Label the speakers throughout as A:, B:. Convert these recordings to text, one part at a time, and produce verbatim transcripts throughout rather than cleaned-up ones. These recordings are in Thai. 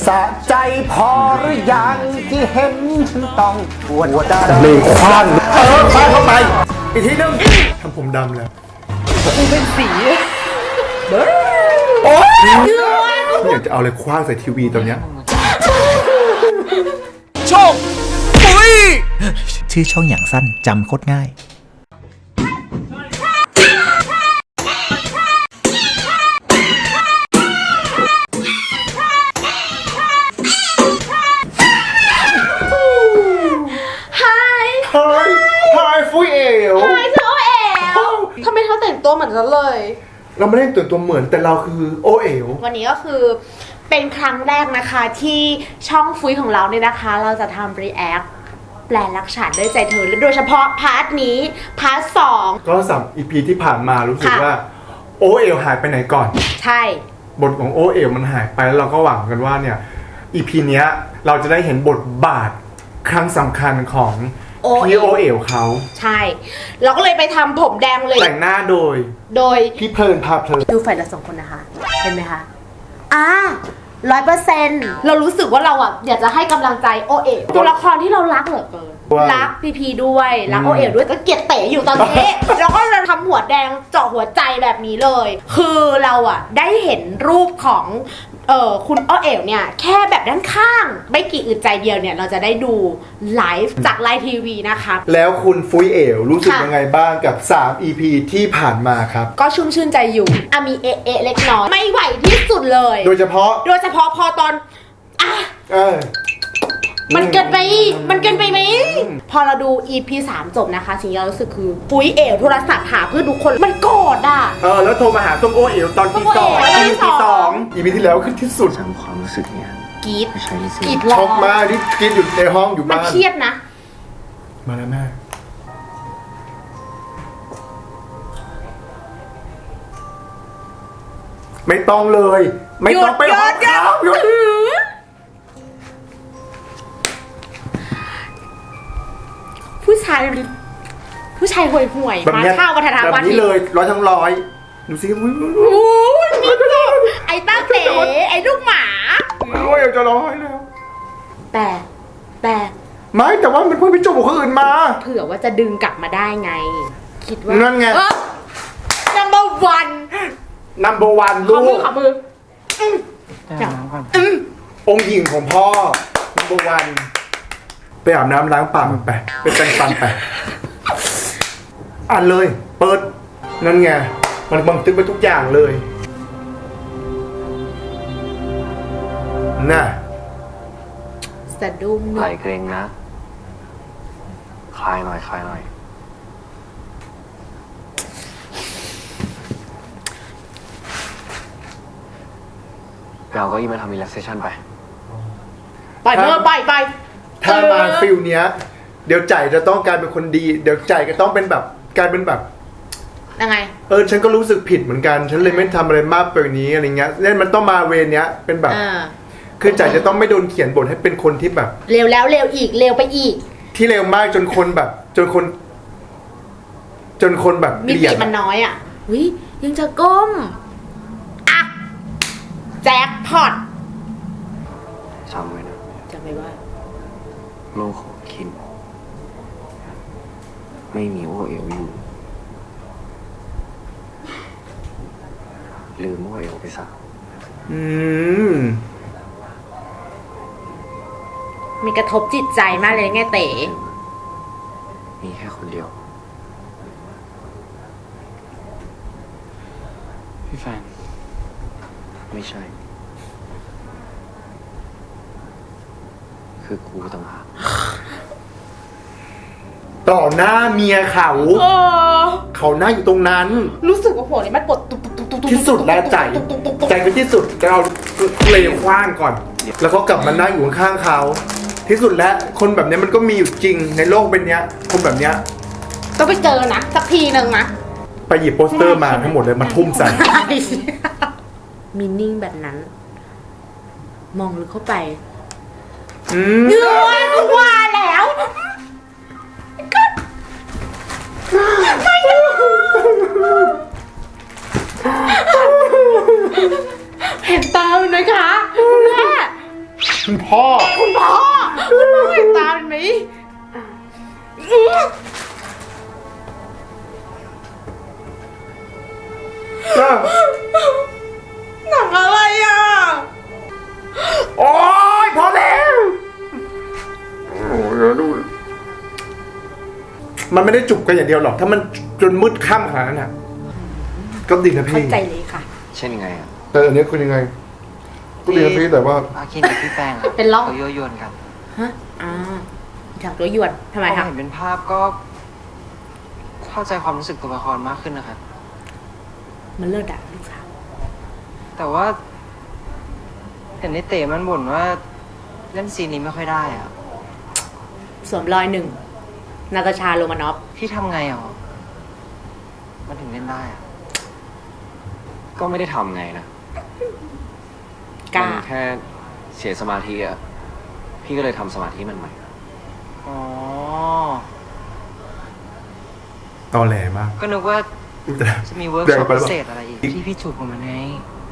A: สะใจพอหรือยังที่เห็นฉันต้องปวดใจ
B: เลยคว้าง
A: เออคว้างเข้าไปอีกทีนึง
B: ทำผมดำแล้ว
C: กูเป็นสีเบ้อ
A: โอ๊ย
B: อยากจะเอาอะไรคว้างใส่ทีวีตอนเนี้ย
D: โชคปุ้ย
E: ชื่อช่องอย่างสั้นจำโคตรง่าย
C: ไฮ
B: ไฮไฮฟุยเอ๋ว
C: ไฮเธอโอเอ๋วทำไมเธอแต่งตัวเหมือนฉันเลย
B: เราไม่ได้แต่งตัวเหมือนแต่เราคือโอเอ๋ว
C: วันนี้ก็คือเป็นครั้งแรกนะคะที่ช่องฟุยของเราเนี่ยนะคะ เราจะทำรีแอคแปลรักฉันด้วยใจเธอและโดยเฉพาะพาร์ทนี้พาร์ทสอง
B: ก็สามอีพีที่ผ่านมารู้สึก
C: ค่ะ
B: ว่าโอเอ๋วหายไปไหนก่อน
C: ใช่
B: บทของโอเอ๋วมันหายไปแล้วเราก็หวังกันว่าเนี่ยอีพีเนี้ยเราจะได้เห็นบทบาทครั้งสำคัญของพี่โอเอ๋วเขา
C: ใช่ เราก็เลยไปทำผมแดงเลย
B: แต่งหน้าโดย
C: โดย
B: พี่เพลินพาเพลิน
C: ดูฝ่ายละสองคนนะคะ เห็นไหมคะ อ่าร้อยเปอร์เซ็นต์เรารู้สึกว่าเราอ่ะอยากจะให้กำลังใจโอเอ๋วตัวละครที่เรารักเหลือเกิน รักพีพีด้วย รักโอเอ๋วด้วยก็เกลียดเต๋อยู่ตอนนี้ แล้วก็จะทำหัวแดงเจาะหัวใจแบบนี้เลย คือเราอ่ะได้เห็นรูปของเออคุณโอเอ๋วเนี่ยแค่แบบด้านข้าง ไม่กี่อึดใจเดียวเนี่ยเราจะได้ดูไลฟ์จากไลฟ์ทีวีนะคะ
B: แล้วคุณฟุยเอ๋วรู้สึก
C: ค่ะ
B: ยังไงบ้างกับสาม อี พี ที่ผ่านมาครับ
C: ก็ชุ่มชื่นใจอยู่อ่ะมีเอะเอะเล็กน้อยไม่ไหวที่สุดเลย
B: โดยเฉพาะ
C: โดยเฉพาะพอตอนอ่ะ
B: เออ
C: มันเกินไป มันเกินไปไหม พอเราดู อี พี สามจบนะคะ สิ่งที่เรารู้สึกคือปุ้ยเอ๋วโทรศัพท์หาเพื่อนทุกคน มันโกรธอ่ะ
B: เออแล้วโทรมาหาส้มโอเอ๋วตอนที่สอง
C: ส้มโอเอ๋วตอนที่
B: อี
C: ส
B: พี
C: อง
B: สองอีพีที่แล้วคือที่สุด
D: จำความรู้สึกเนี่ย
C: กรีด
D: ไม่ใช่ที่
C: กรีด
B: ช็อกมากที่กินอยู่ในห้องอยู่
C: มัน
B: บ้าน
C: เครียดนะ
B: มาแล้วแม่ไม่ต้องเลย ไม่ต้องไปห้องเขาหยุด
C: ผู้ชาย ผู้ชายห่วยห่วยๆ
B: แบบ
C: มา
B: เนี้ย
C: ข้าวกระทะ
B: แบบ
C: วัน
B: นี้เลยร้อยทั้งร้อยดูสิอุ้ย
C: โอ้ยนี่ก็ไอ้ต้าเต๋ไอ้ลูกหมา
B: โอ้ยจะร้อยแล้ว
C: แต่ แต่
B: ไม่แต่ว่ามันเพิ่งไปจบกับคนอื่นมา
C: เผื่อว่าจะดึงกลับมาได้ไง คิดว่า
B: นั่นไง
C: เออ number one
B: number one
C: ข
B: ลู
C: อมือก ขอมือ
D: แต่น้ำก่อน
C: อืม
B: องค์หญิงของพ่อ number one ไปอาบน้ำล้างปากมันไปไปแต่งฟันไปอ่านเลย เปิด นั่นไง มันบันทึกไปทุกอย่างเลยน่ะ
C: สะดุ้ง
D: ไหลเกรงนะ คลายหน่อย คลายหน่อย เราก็ยิ่งมาทำ relaxation ไป
C: ปล่อยเมื่อปล่อยไป
B: ถ้ามาฟิลเนี้ย เดี๋ยวใจจะต้องกลายเป็นคนดี เดี๋ยวใจก็ต้องเป็นแบบกลายเป็นแบบ
C: ยังไง
B: เออฉันก็รู้สึกผิดเหมือนกัน ฉันเลยไม่ทำอะไรมากไปกว่านี้อะไรเงี้ยเล่นมันต้องมาเวรเนี้ยเป็นแบบ
C: อ่า
B: คือใจจะต้องไม่โดนเขียนบทให้เป็นคนที่แบบ
C: เร็วแล้วเร็วอีกเร็วไปอีก
B: ที่เร็วมากจนคนแบบ จนคน จนคนแบบ
C: มิ
B: เกลี
C: ติ
B: ยด
C: มันน้อยอ่ะวิยังจะก้ม อ่ะ แจ็คพอต
D: จำไว้นะ
C: จะไม่ว่า
D: โลกของคิน ไม่มีโอเอลอยู่ ลืมโอเอลไปซะ
B: อืม
C: มีกระทบจิตใจมากเลยไงเต๋
D: มีแค่คนเดียว พี่แฟน ไม่ใช่ คือกูต่างหาก
B: ต่อหน้าเมียเขา
C: เออ
B: เขาหน้าอยู่ตรงนั้น
C: รู้สึกว่าหัวนี้มันปวดตุ๊บตุ๊บตุ๊บตุ๊บตุ๊บ
B: ที่สุดแล้วใจ
C: ตุ๊บตุ๊บตุ๊บตุ๊บ
B: ใจคือที่สุดจะเอาเลวคว้างก่อน แล้วเขากลับมานั่งอยู่ข้างๆเขา ที่สุดแล้วคนแบบเนี้ยมันก็มีอยู่จริงในโลกเป็นเนี้ย คนแบบเนี้ย
C: ต้องไปเจอนะ สักทีหนึ่งนะ
B: ไปหยิบโปสเตอร์มาทั้งหมดเลยมาทุ่มใส่
C: มินนิ่งแบบนั้น มองลึกเข้าไป
B: อืม
C: เนื้อกูว่าแล้วเห็นตามันไหมคะคุณแม่
B: คุณพ่อ
C: คุณพ่อคุณพ่อเห็นตาเป็นไหม หนังอะไรอ่ะ
B: โอ๊ยพอแล้วโอ้ยเดี๋ยวดูมันไม่ได้จุบกันอย่างเดียวหรอก ถ้ามันจนมืดค่ำขนาดนั้นนะก็ดีนะ
C: เข้า
B: พี่
C: ใจเลยค่ะ
D: เช่นไงอ่ะ
B: แต่อันนี้คือยังไง ก็ดีนะพี่แต่ว่า
D: อาคินกับพี่แป้ง
C: เป็นร่อง
D: เขายั่วยวนกัน
C: ฮะอ่าอยากตัวหยวนทำไม
D: พอ
C: คะ
D: เห็นเป็นภาพก็ เข้าใจความรู้สึกตัวละครมากขึ้นนะครับ
C: มันเลิศอ่ะลูกสาว
D: แต่ว่า เห็นในเต๋มันบ่นว่าเล่นซีนนี้ไม่ค่อยได้อ่ะ
C: สวมรอยหนึ่งนาตาชาโรมานอฟ
D: พี่ทำไงอ่ะมันถึงเล่นได้อ่ะ
F: ก็ไม่ได้ทำไงนะ
C: กล้า
F: มันแค่เสียสมาธิอะพี่ก็เลยทำสมาธิมันใหม่
D: อ๋อ
B: ตอแหลมาก
D: ก็นึกว่า
B: แต่
D: จะมีเวิร์ก
B: แร
D: ช็
B: ง
D: อป
B: ไปหรือ
D: พิ
B: เปล่า
D: เศษอะไรอีกที่พี่จูบกับมันไง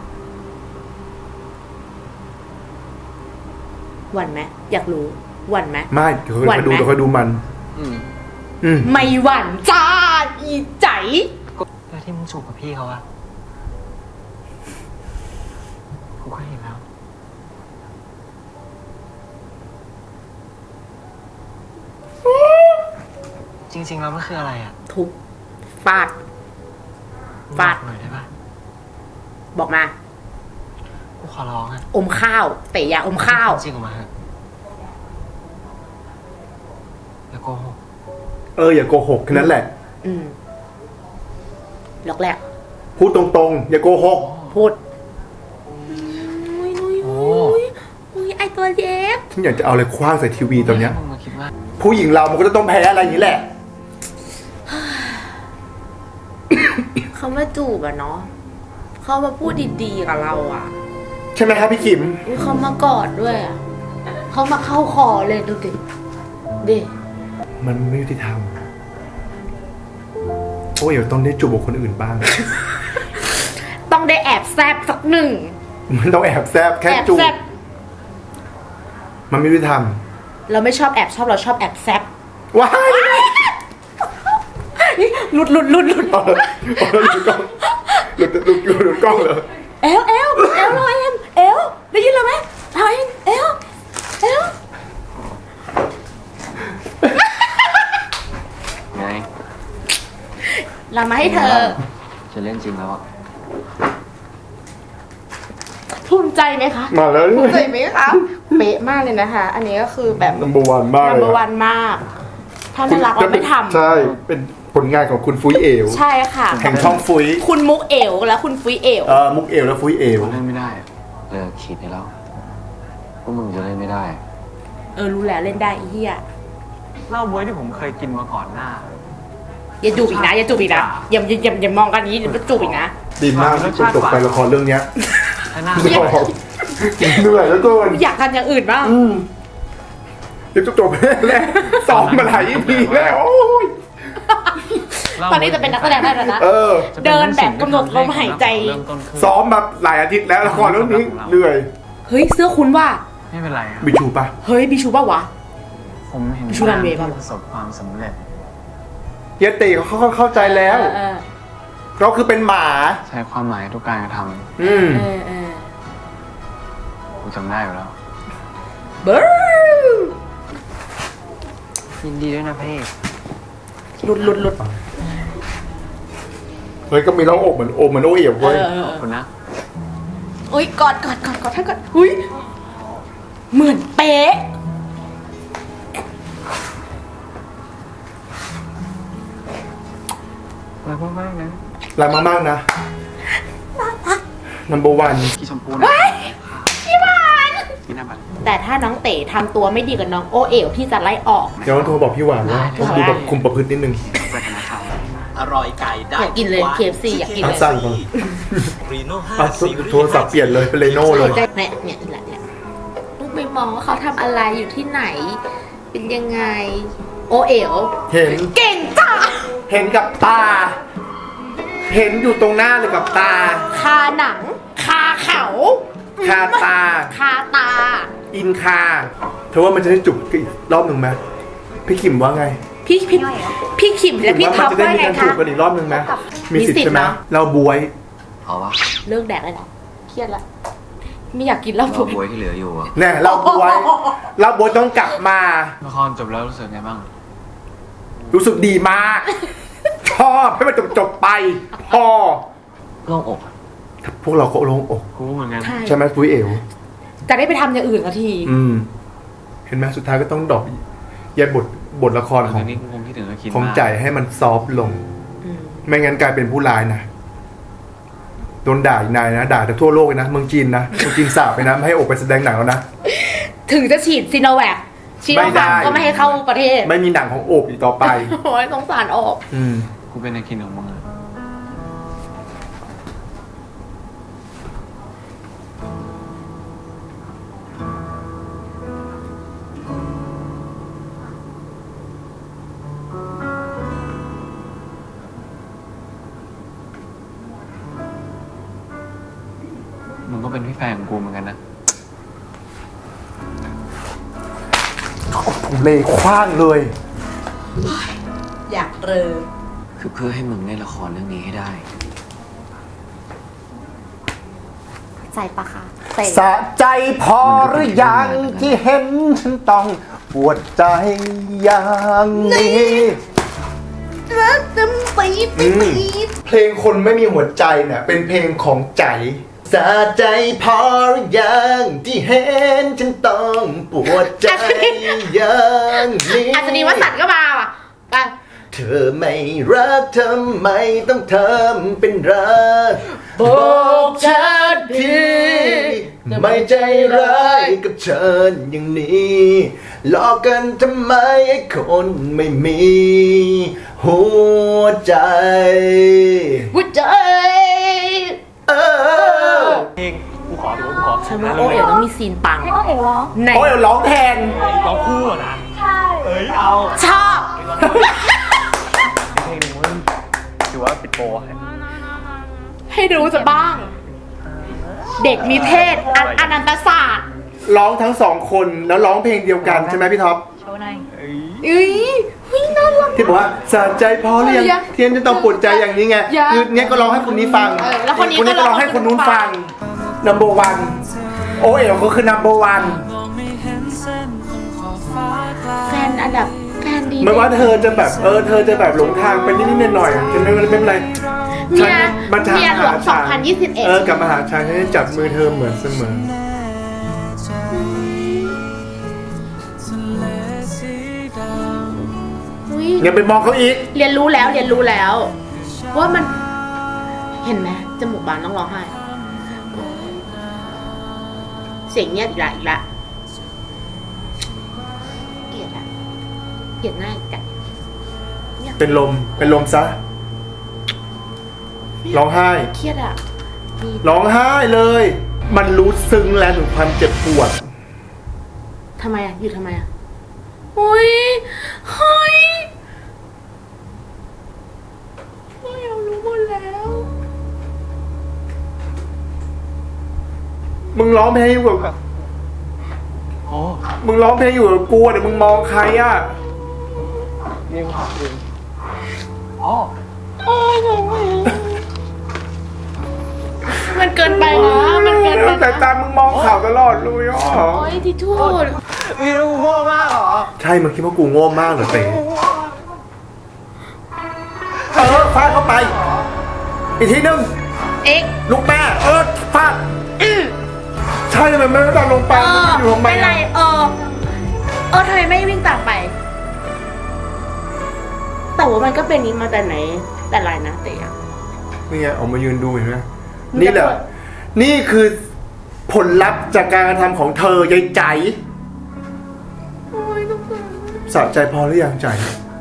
C: หวั่นไหมอยากรู้หวั่นไหม
B: ไม่เดี๋ยว
C: หวั่
B: ค่อน ยดู
C: ไหม
B: เดี๋ยวค่อยดูมัน
F: อืม
B: อืม
C: ไม่หวั่นจ้าอีใจ
D: แล้วที่มึงจูบกับพี่เขาอะกูก็เห็นแล้ว จริงๆแล้วมันคืออะไรอะ
C: ทุบฟาด ฟาด
D: บอกหน่อยได้ปะ
C: บอกมา
D: กูขอร้องอะ
C: อมข้าวเตะยาอมข้าว
D: จริงออกมาเถอะอย่าโกหก
B: เอออย่าโกหกแค่นั้นแหละ
C: อืมล็อกแรก
B: พูดตรงๆ อย่าโกหก
C: พูดอุ้ยอุ้ย
D: โอ้
C: อุ้ยอุ้ยไอตัวเล็ก
B: ฉันอยากจะเอาอะไรคว้างใส่ทีวีตอนเนี้ย
D: มึงมาคิดว่า
B: ผู้หญิงเรามันก็จะต้องแพ้อะไรอย่างนี้แหละ
C: เขามาจูบอะเนาะเขามาพูดดีๆกับเราอะ
B: ใช่ไหมครับพี่ขิม
C: อุ๊ยเขามากอดด้วยอะเขามาเข้าคอเลยดูดิดิ
B: มันไม่ยุติธรรมโอ้ยเดี๋ยวต้องได้จูบกับคนอื่นบ้าง
C: ต้องได้แอบแซบสักหนึ่ง
B: มันต้องแอบแซบแค่
C: แอบ
B: จูบ
C: แซบ
B: มันไม่ยุติธรรม
C: เราไม่ชอบแอบชอบเราชอบแอบแซบ
B: ว้าย
C: หลุดหลุดหลุดหลุด
B: เอาเลยเอาเลยหลุดกล้องหลุดหลุดหลุดหลุดกล้องเหรอ
C: เอลเอลเอลเราเอ็มเอลได้ยินเราไหมเราเอ็มเอลเอล
F: ไง
C: เรามาให้เธอ
F: จะเล่นจริงแล้วอะ
C: ภูมิใจไหมคะ
B: มาแล้ว
C: ภูมิใจไหมคะเป๊ะมากเลยนะคะ อันนี้ก็คือแบบ
B: นัมเบอร์วันมาก
C: นัม
B: เล
C: เบอร์
B: ย
C: วันมาก ถ้าน่ารักเราไม่ทำ
B: ใช่ เป็นผลงานของคุณฟุยเอว
C: ใช่ค่ะ
B: แห่งช่องฟุย
C: คุณมุกเอวและคุณฟุยเอว
B: เออมุกเอวและฟุยเอว
F: เล่นไม่ได้อะเลิกคิดได้แล้วพวกมึงจะเล่นไม่ได้
C: เออรู้แล้วเล่นได้ไอ้เฮีย
G: เหล้าบ๊วยที่ผมเคยกินมาก่อนหน้า
C: อย่าจูบอีกนะอย่าจูบอีกนะอย่าอย่าอย่าอย่ามองกันอย่างนี้เดี๋ยวจะจูบอีกนะ
B: ดีมากที่คุณจบไปละครเรื่องเนี้ย
G: ถ้าหน้า
B: ไม่ออกเหนื่อยแล้วเกิน
C: อยากกันอย่างอื่นบ้าง
B: อืมเดี๋ยวจะจบแล้วซ้อมมาหลาย อี พีแล้วโอ้ย
C: ตอนนี้จะเป็นนักแสดงได้แล้วนะ
B: เออ
C: เดินแบบกำหนดลมหายใจ
G: เริ่มต้นขึ้น
B: ซ้อมแบบหลายอาทิตย์แล้วละครเรื่องนี้เหนื่อย
C: เฮ้ยเสื้อคุณว่า
G: ไม่เป็นไรครับ
B: บิชูปะ
C: เฮ้ยบิชูป่าวะ
G: ผมเห็น
C: ชูรันเวย์
G: ที่
C: ป่ะ
G: ประสบความสำเร็จ
B: เฮียตีเขาเข้าใจแล้ว
C: เออเออ
B: เราคือเป็นหมา
G: ใช้ความหมายทุกการกระท
B: อืม
C: เออเออ
G: ำกูจำได้อยู่แล้ว
C: เบิร์
D: ยินดีด้วยนะพี่
C: หลุดหลุดหลุด
B: เฮ้ยก็มีน้องอกเหมือนโอมเหมือนโอเอ๋ว
C: เอ
B: เว้ย
C: อเออ
G: ขอบคุณนะ
C: อุ้ยกอดกอดกอดกอดท่านกอดอุ้ยเหมือนเป๊ะ
G: รักมากๆนะ
B: รักมากๆนะ number one
G: พี่ชมพู
C: เฮ้ยพี่หวาน
G: พี่นาบัน
C: แต่ถ้าน้องเต๋ทำตัวไม่ดีกับน้องโอเอ๋วพี่จะไล่ออก
B: เดี๋ยวต้องโทรบอกพี่หวานว่าต้องดูแบบคุมประพฤตินิดนึง
G: ไปกันนะครับ
H: อร่อยไก่ได้
C: อยากกินเลย เค เอฟ ซี อยากกิน
B: อ่ะ
C: เลย
B: สั่งก่อน
H: รีโน่ห้า
B: อ่ะ
H: ซีรีส์
B: โทรศัพท์เปลี่ยนเลยเป็นเรโน่เลย
C: เนี่ยเนี่ยเนี่ยแหละเนี่ยลูกไปมองว่าเขาทำอะไรอยู่ที่ไหน เป็นยังไง โอเอ๋ว
B: เห็น
C: เก่งจ้า
B: เห็นกับตา เห็นอยู่ตรงหน้าเลยกับตา
C: คาหนัง คาเขา
B: คาตา
C: คาตา
B: อินคาเธอว่ามันจะได้จุกอีกรอบหนึ่งไหมพี่ขิมว่าไง
C: พี่พี่พี่ขิมและพี่ท็อป
B: ว่ามันจะได้
C: ว่า
B: มี
C: ไง
B: การจุ
C: คะ
B: กกันอีกรอบหนึ่งไหมมีสิทธิ์
C: มีสิทธิ์
B: ใช่ไหม
C: เนอะ
B: เราบวย
F: เอาวะ
C: เลิกแดกเลยเหรอเครียดละไม่อยากกินเหล้า
F: เรา
C: ปุ๋ย
F: บวยที่เหลืออยู่อะ
B: แน่เราบวยเราบวยต้องกลับมา
G: ละครจบแล้วรู้สึกไงบ้าง
B: รู้สึกดีมาก ชอบให้มันจบจบๆไปพอ
F: โล่งอกอะ
B: พวกเราก็โล่งอก
G: กูเหมือนกัน
C: ใช่
B: ใช่ไหมปุ้ยเอ๋ว
C: จะได้ไปทำอย่างอื่นสักที
B: อืม เห็นไหมสุดท้ายก็ต้องดรอปแยกบทบทละครของ
G: ตอนนี้คงคิดถึงแล้วคิด
B: ของ
G: มาก
B: ใจให้มันซอฟต์ลง
C: อืม
B: ไม่งั้นกลายเป็นผู้ร้ายนะโดนด่าอีกนายนะ ด่าจากทั่วโลกเลยนะเมืองจีนนะเมืองจีนสาบไปนะไม่ให้ออกไปแสดงหนังแล้วนะ
C: ถึงจะฉีดซีโนแวคชีโน
B: ไม่ได้
C: ฟาร์มก็ไม่ให้เข้าประเทศ
B: ไม่มีหนังของโอบอีกต่อไป
C: โอ้ยสงสารออก
B: อืม
G: กูเป็นไอคินของมึงอะ มึงก็เป็นพี่แฟนของกูเหมือนกันนะ
B: ผมเลยคว้างเลย
C: อยากเรอ
F: คือเพื่อให้มึงเล่นละครเรื่องนี้ให้ได้
C: ใจปะคะ
A: สะใจพอหรือยังที่เห็นฉันต้องปวดใจอย่างนี้
C: รักน้ำปี๊ด
B: อืมเพลงคนไม่มีหัวใจเนี่ยเป็นเพลงของใจสะใจพอหรือยังที่เห็นฉันต้องปวดใจอย่างนี้
C: อัศนีวสันต์ก็มาว่ะไป
B: เธอไม่รักทำไมต้องทำเป็นรัก
C: บอกฉันที
B: ไม่ใจร้ายกับฉันอย่างนี้หลอกกันทำไมไอ้คนไม่มีหัวใจ
C: หัวใจ
B: เออ
H: เพลงกูขอถือว่ากูขอ
C: ฉันว่าโอเอ๋ต้องมีซีนปังใน
B: โอ้ยร้องแทน
H: ร้องคู่อะนะ ใช่ เอ้ย เอา
C: ชอบ
H: เพลงหนึ่งมึงถือว่าปิดโปรให้
C: ให้รู้จะบ้าง เด็กมีเพศอันอนันตศาสตร์
B: ร้องทั้งสองคนแล้วร้องเพลงเดียวกันใช่ไหมพี่ท็อป
C: อุ้ยหุ้ยน่ารัก
B: ที่บอกว่าสะใจพอหรือยัง
C: ยัง
B: เทียนจะต้องปวดใจอย่างนี้ไง
C: ยัง
B: คือเนี้ยก็ร้องให้คนนี้ฟัง
C: เออแล้วคนนี้
B: นี้
C: ก็
B: ก็
C: ร้
B: ร้
C: อ
B: อง ง
C: ให้
B: ให้
C: ค
B: คน น
C: นู้
B: นู้
C: น
B: น
C: ฟั
B: ฟั
C: ง
B: ง number one โอเอ๋วก็คือ number one
C: แฟนอันดับแฟนดี
B: ไม่ว่าเธอจะแบบเออเธอจะแบบหลงทางไปนิดๆหน่อยๆจะไม่ไม่เป็นไร
C: เมีย
B: มาทาง
C: เมียหลวง
B: หา
C: สอ
B: ฉั
C: งพันยี่สิบเอ็ด
B: เออกลับมาหาฉันฉันจะจับมือเธอเหมือนเสมอ
C: อุ๊ย
B: อย่าไปมองเขาอีก
C: เรียนรู้แล้วเรียนรู้แล้ว ว่ามัน เห็นไหมจมูกบานต้องร้องไห้ เสียงเงียบอีกละอีกละเกลียดอะเกลียดหน้าอีกอะ
B: เป็นลมเป็นลมซะร้องไห้
C: เครียดอะมี
B: ร้องไห้เลย มันรู้ซึ้งแล้วถึงความเจ็บปวด
C: ทำไมอะอยู่ทำไมอะอุ้ยเฮ้ยเฮ้ยเรารู้หมดแล้ว
B: มึงร้องเพลงอยู่กับ
G: โอ้
B: มึงร้องเพลงอยู่กับกูเดี๋ยวมึงมองใครอ่ะ
G: ยิงหักยิงอ๋อ
C: มันเกินไปนะ มันเกินไป
B: แต่
C: นะ
B: ตามึงมองข่าวตลอดเลยอ่ะ
C: โอ้ยทิชชู่
G: พี่รู้โง่มากเหรอ
B: ใช่มึงคิดว่ากูโง่มากเหรอเต๋เออฟาดเข้าไป อีกทีนึง
C: เอ็ก
B: ลูกแม่เออฟาดใช่ทำไมไม่ตอนลงไป
C: เออ
B: อยู่ทำไม
C: ไม่ไร
B: อะ
C: เออ เออทำไมไม่วิ่งตามไป แต่ว่ามันก็เป็นนี้มาแต่ไหน แต่ไรนะเต๋อะ
B: นี่ไงออกมายืนดูเห็นไหม
C: มึงจะ
B: นี่แหละ
C: เปิด
B: นี่คือผลลัพธ์จากการกระทำของเธอยายใจ
C: โอ้ยต้อง
B: สะใจพอหรือยังใจ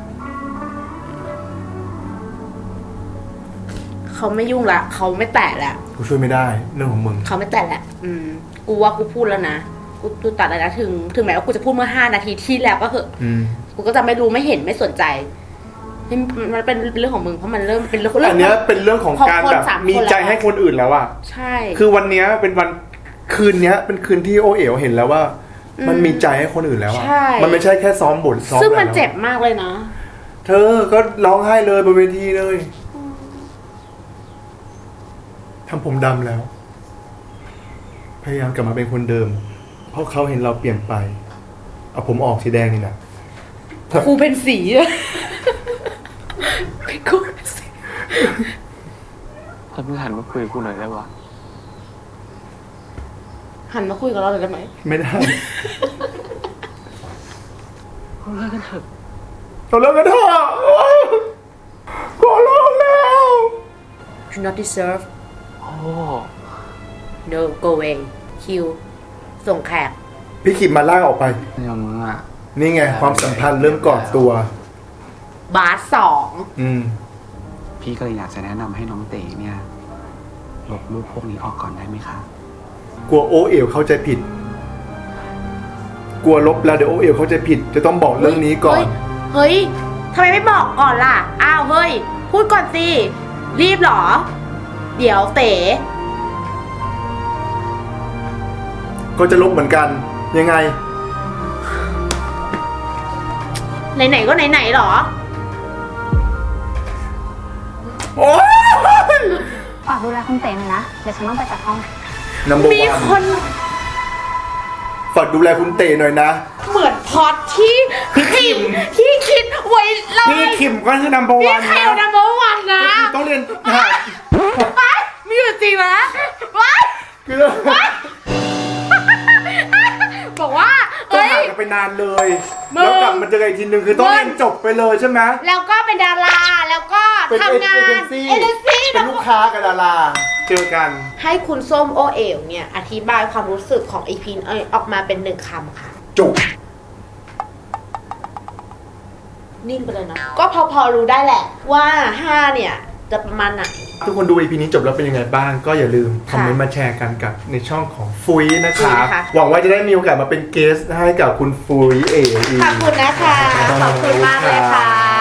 C: เขาไม่ยุ่งละเขาไม่แตะละ
B: กูช่วยไม่ได้เรื่องของมึง
C: เขาไม่แตะละอืม กูว่ากูพูดแล้วนะ กูกูตัดแล้วนะถึง ถึงแม้ว่ากูจะพูดเมื่อห้านาทีที่แล้วก็เหอะ
B: อืม
C: กูก็จะไม่รู้ไม่เห็นไม่สนใจนี่มันเป็นเรื่องของมึงเพราะมันเริ่มเป็นเรื่อง
B: อันเนี้ยเป็นเรื่องของการ
C: คน
B: แบบ
C: สามคน
B: มีใจ
C: แล้ว
B: ให้คนอื่นแล้วอะ
C: ใช่
B: คือวันเนี้ยเป็นวันคืนเนี้ยเป็นคืนที่โอเอ๋วเห็นแล้วว่ามันมีใจให้คนอื่นแล้วอะ
C: ใช่
B: มันไม่ใช่แค่ซ้อมบทซ้อม
C: ซึ่งมัน
B: แล้ว
C: เจ็บมากเลยนะ
B: เธอก็ร้องไห้เลยบนเวทีเลยทำผมดำแล้ว พยายามกลับมาเป็นคนเดิม เพราะเขาเห็นเราเปลี่ยนไป เอาผมออกสีแดงนี่นะ
C: ครูเป็นสีอะเป็นครูเป็นสี
G: ถ้าเพิ่งหันมาคุยกับกูหน่อยได้ปะ
C: หันมาคุยกับเราเลยได้ไหม
B: ไม่ได้
G: เราเลิกกันเถอะ
B: เราเลิกกันเถอะขอร้องแล้ว
C: Do not deserve
G: โอ้
C: no go away คิวส่งแขก
B: พี่ขิมมาลากออกไป
F: ไม่ยอมมึงอ่ะ
B: นี่ไง ความสัมพันธ์เริ่มก่อตัว
C: บาสสอง
B: อืม
F: พี่ก็เลยอยากจะแนะนำให้น้องเต๋เนี่ย ลบรูปพวกนี้ออกก่อนได้ไหมคะ
B: กลัวโอเอ๋วเข้าใจผิด กลัวลบแล้วเดี๋ยวโอเอ๋วเข้าใจผิด จะต้องบอกเรื่องนี้ก่อน
C: เฮ้ยทำไมไม่บอกก่อนล่ะ อ้าวเฮ้ย พูดก่อนสิ รีบเหรอ เดี๋ยวเต๋
B: ก็จะลบเหมือนกัน ยังไง
C: ไหนๆก็ไหนๆเหรอ
B: โอ้ย
I: ฝากดูแลคุณเต๋หน่อยนะ เดี๋ยวฉันต้องไปจัดห้อง
B: นัมเบอร์
C: มี
B: วั
C: คน น
B: ฝากดูแลคุณเต๋หน่อยนะ
C: เหมือนพล็อตที่คิดที่คิดไว้เลย
B: พี่ขิมก็คือนัมเบอร์
C: พี่
B: วัน
C: เขลนัมเบอร์วันนะ
B: ต้องเรียนทหาร
C: ว้ายมีอยู่จริงนะว้าย
B: คือ
C: บอกว่า
B: ต้อง
C: เอ้ย
B: ห่างกันไปนานเลย
C: มึง
B: แล้วกลับมาเจอกันอีกทีหนึ่งคือต้องเรียนจบไปเลยใช่ไหม
C: แล้วก็เป็นดารา แล้วก็
B: เป็น
C: ทำงาน
B: เอเจนซี่
C: เอเจนซี่
B: เป็นลูกค้ากับดารา เจอกัน
C: ให้คุณส้มโอเอ๋วเนี่ย อธิบายความรู้สึกของอีพีเอ้ยออกมาเป็นหนึ่งคำค่ะ
B: จุก
C: นิ่งไปเลยนะ ก็พอพอรู้ได้แหละว่าห้าเนี่ย จะประมาณไหน
B: ทุกคนดู อี พี นี้จบแล้วเป็นยังไงบ้าง ก็อย่าลืมคอมเมนต์มาแชร์กันกับในช่องของฟุยนะคะ
C: ฟุยนะคะ
B: หวังว่าจะได้มีโอกาสมาเป็นเกสให้กับคุณฟุยเอ๋อีก
C: ขอบคุณนะคะ ขอบคุณมากเลยค่ะ